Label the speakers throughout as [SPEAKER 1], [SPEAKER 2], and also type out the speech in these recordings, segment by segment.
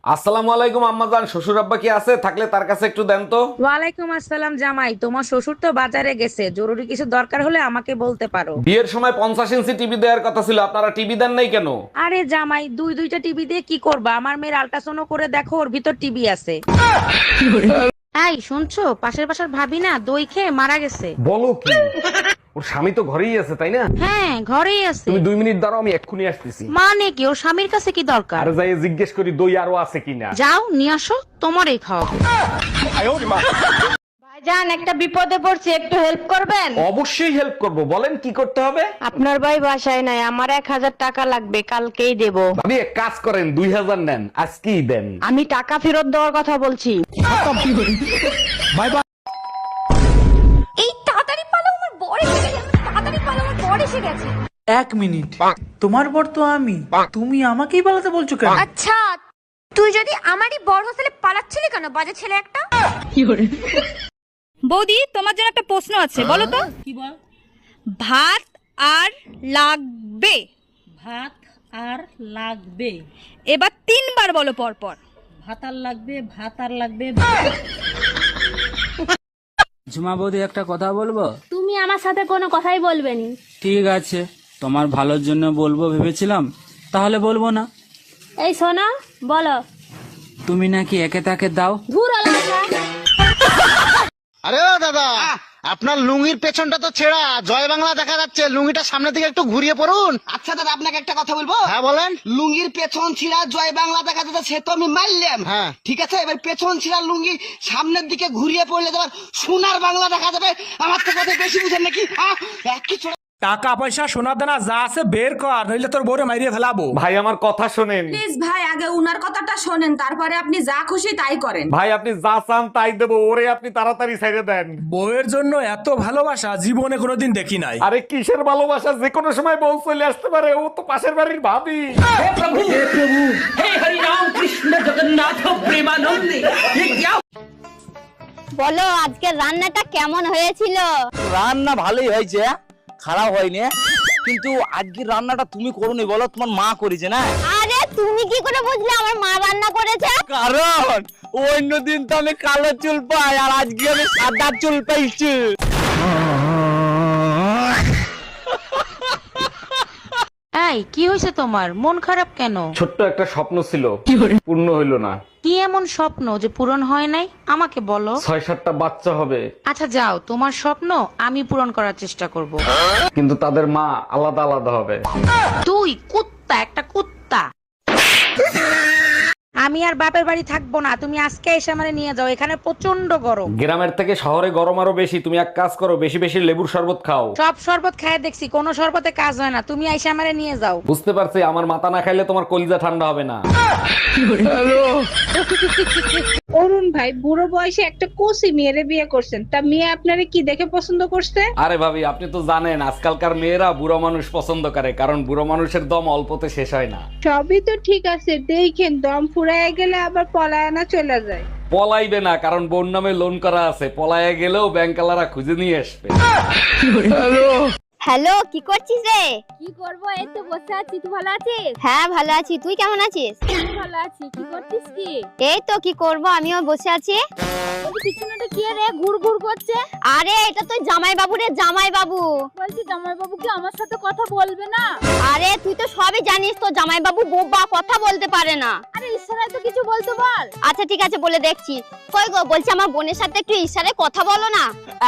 [SPEAKER 1] আসসালামু আলাইকুম আম্মাজান, শ্বশুর আব্বা কি আছে? থাকলে তার কাছে একটু দেন তো।
[SPEAKER 2] ওয়ালাইকুম আসসালাম জামাই, তোমার শ্বশুর তো বাজারে গেছে, জরুরি কিছু দরকার হলে আমাকে বলতে পারো।
[SPEAKER 1] বিয়ের সময় 50 ইঞ্চি টিভি দেওয়ার কথা ছিল, আপনারা টিভি দেন নাই কেন?
[SPEAKER 2] আরে জামাই, দুইটা টিভি দিয়ে কি করবা? আমার মেয়ের আল্ট্রাসাউন্ড করে দেখো, ওর ভিতর টিভি আছে। এই শুনছো, পাশের বাসার ভাবি না দই খেয়ে মারা গেছে।
[SPEAKER 1] বলো কি? ওর স্বামী তো ঘরেই আছে, তাই না?
[SPEAKER 2] হ্যাঁ, ঘরেই আছে।
[SPEAKER 1] তুমি 2 মিনিট দাঁড়াও, আমি এক্ষুনি আসতেছি।
[SPEAKER 2] মানে কি, ওর স্বামীর কাছে কি দরকার?
[SPEAKER 1] আরে যাই জিজ্ঞেস করি দই আরো আছে কিনা।
[SPEAKER 2] যাও নিয়ে আসো, তোমারই খাওয়াবো।
[SPEAKER 3] ভাইজান, একটা বিপদে পড়ছি, একটু হেল্প করবেন?
[SPEAKER 1] অবশ্যই হেল্প করব, বলেন কি করতে হবে।
[SPEAKER 3] আপনার ভাই বাসায় নাই, আমার 1000 টাকা লাগবে, কালকেই দেব।
[SPEAKER 1] ভাবি এক কাজ করেন, 2000 নেন, আজকেই দেন।
[SPEAKER 3] আমি টাকা ফেরত দেওয়ার কথা বলছি।
[SPEAKER 4] এই তাড়াতাড়ি পালো, আমার বর এসে গেছে। তাড়াতাড়ি পালো, আমার বর এসে গেছে।
[SPEAKER 5] 1 মিনিট, তোমার বর তো আমি, তুমি আমাকেই পালাতে বলছো কেন?
[SPEAKER 4] আচ্ছা, তুই যদি আমারই বর হোস্টেলে পালাচ্ছিলি কেন, বাজে ছেলে একটা?
[SPEAKER 6] বৌদি, তোমার জন্য একটা প্রশ্ন আছে, বলো তো।
[SPEAKER 7] কি বল?
[SPEAKER 6] ভাত আর লাগবে।
[SPEAKER 7] ভাত আর লাগবে।
[SPEAKER 6] এবার 3বার বলো পর পর।
[SPEAKER 7] ভাত আর লাগবে, ভাত আর লাগবে।
[SPEAKER 8] ঝুমা বৌদি, একটা কথা বলবো?
[SPEAKER 4] তুমি আমার সাথে কোনো কথাই বলবে নি।
[SPEAKER 8] ঠিক আছে, তোমার ভালোর জন্য বলবো ভেবেছিলাম, তাহলে বলবো না।
[SPEAKER 4] এই শোনো, বলো।
[SPEAKER 8] তুমি নাকি একে তাকে দাও।
[SPEAKER 4] ধুর আলাদা।
[SPEAKER 9] আরে ও দাদা, আপনার লুঙ্গির পেছনটা তো ছেঁড়া, জয় বাংলা দেখা যাচ্ছে, লুঙ্গিটা সামনের দিকে একটু ঘুরিয়ে পড়ুন।
[SPEAKER 10] আচ্ছা দাদা, আপনাকে একটা কথা বলবো?
[SPEAKER 9] হ্যাঁ বলেন।
[SPEAKER 10] লুঙ্গির পেছন ছিঁড়া জয় বাংলা দেখা যাচ্ছে, সে তো আমি মারলাম।
[SPEAKER 9] হ্যাঁ
[SPEAKER 10] ঠিক আছে, এবার পেছন ছিঁড়া লুঙ্গি সামনের দিকে ঘুরিয়ে পড়লে তোমার সোনার বাংলা দেখা যাবে। আমার তো কথা বেশি বুঝেন নাকি? একই ছোট
[SPEAKER 5] টাকা পয়সা সোনা দানা যা আছে বের কর, নইলে তোর বউরে মাইরিয়ে ফেলাবো।
[SPEAKER 1] ভাই আমার কথা শোনেন।
[SPEAKER 3] প্লিজ ভাই, আগে উনার কথাটা শোনেন, তারপরে আপনি যা খুশি তাই করেন।
[SPEAKER 1] ভাই আপনি যা চান তাই দেবো, ওরে আপনি তাড়াতাড়ি ছেড়ে দেন।
[SPEAKER 5] বউয়ের জন্য এত ভালোবাসা জীবনে কোনোদিন দেখি নাই।
[SPEAKER 1] আরে কিসের ভালোবাসা, যে কোনো সময় বউ চলে আসতে পারে, ও তো পাশের বাড়ির ভাবি।
[SPEAKER 4] বলো, আজকের রান্নাটা কেমন হয়েছিল?
[SPEAKER 10] রান্না ভালোই হয়েছে, খারাপ হয়নি। কিন্তু আজকের রান্নাটা তুমি করোনি, বলো তোমার মা করেছে না?
[SPEAKER 4] আরে তুমি কি করে বুঝলে আমার মা রান্না করেছে?
[SPEAKER 10] কারণ অন্যদিন তো আমি কালো চুল পাই, আর আজকে আমি সাদা চুল পাইছি।
[SPEAKER 2] এই কি হয়েছে তোমার, মন খারাপ কেন?
[SPEAKER 1] ছোট্ট একটা স্বপ্ন ছিল, পূর্ণ হইল না।
[SPEAKER 2] কি এমন স্বপ্ন যে পূরণ হয় নাই, আমাকে বলো।
[SPEAKER 1] 6-7টা বাচ্চা হবে,
[SPEAKER 2] আচ্ছা যাও, তোমার স্বপ্ন আমি পূরণ করার চেষ্টা করব।
[SPEAKER 1] কিন্তু তাদের মা আলাদা আলাদা হবে।
[SPEAKER 2] তুই কুত্তা, একটা কুত্তা। আমি আর বাপের বাড়ি থাকবো না, তুমি আজকে এসে আমারে নিয়ে যাও, এখানে প্রচন্ড গরম।
[SPEAKER 1] গ্রামের থেকে শহরে গরম আরো বেশি, তুমি এক কাজ করো, বেশি বেশি লেবুর শরবত খাও।
[SPEAKER 2] সব শরবত খায় দেখছি, কোনো শরবতে কাজ হয় না, তুমি এসে আমারে নিয়ে যাও।
[SPEAKER 1] বুঝতে পারছি, আমার মাথা না খাইলে তোমার কলিজা ঠান্ডা হবে না।
[SPEAKER 3] অরুণ ভাই, বুড়ো বয়সে একটা কোসি মেয়েরে বিয়ে করছেন, তা মেয়ে আপনারে কি দেখে পছন্দ করছে?
[SPEAKER 1] আরে ভাবি, আপনি তো জানেন আজকালকার মেয়েরা বুড়ো মানুষ পছন্দ করে, কারণ বুড়ো মানুষের দম অল্পতে শেষ হয় না।
[SPEAKER 3] সবই তো ঠিক আছে, দেখেন দম ফুরায় গেলে আবার পলায়না চলে যায়।
[SPEAKER 1] পলাইবে না, কারণ বোন নামে লোন করা আছে, পলায়ে গেলেও ব্যাংকালারা খুঁজে নিয়ে আসবে।
[SPEAKER 4] হ্যালো, কি করছিস রে? কি করব, এই তো বসে আছি। তুই ভালো আছিস? হ্যাঁ ভালো আছি, তুই কেমন আছিস? আমি ভালো আছি। কি করছিস কি? এই তো কি করব, আমিও বসে আছি। পিছনেটা কি রে ঘুর ঘুর করছে? আরে এটা তো জামাই বাবু রে, জামাই বাবু। বলছি জামাই বাবু কি আমার সাথে কথা বলবে না? আরে তুই তো সবই জানিস, তো জামাই বাবু বোবা, কথা বলতে পারে না। আরে ইশারায় তো কিছু বলতে বল। আচ্ছা ঠিক আছে, বলে দেখছি। কই গো, বলছি আমার বোনের সাথে একটু ইশারায় কথা বলো না।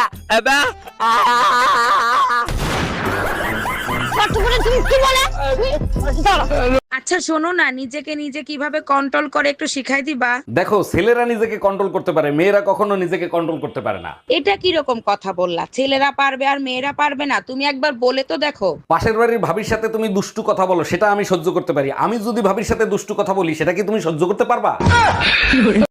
[SPEAKER 2] আচ্ছা শোনো না, নিজেকে নিজে কিভাবে কন্ট্রোল করে একটু শিখাই দিবা?
[SPEAKER 1] দেখো, ছেলেরা নিজেকে কন্ট্রোল করতে পারে, মেয়েরা কখনো নিজেকে কন্ট্রোল করতে পারে না।
[SPEAKER 2] এটা কি রকম কথা বললা? ছেলেরা পারবে আর মেয়েরা পারবে না? তুমি একবার বলে তো দেখো।
[SPEAKER 1] পাশের বাড়ির ভাবির সাথে তুমি দুষ্টু কথা বলো, সেটা আমি সহ্য করতে পারি। আমি যদি ভাবির সাথে দুষ্টু কথা বলি, সেটা কি তুমি সহ্য করতে পারবা?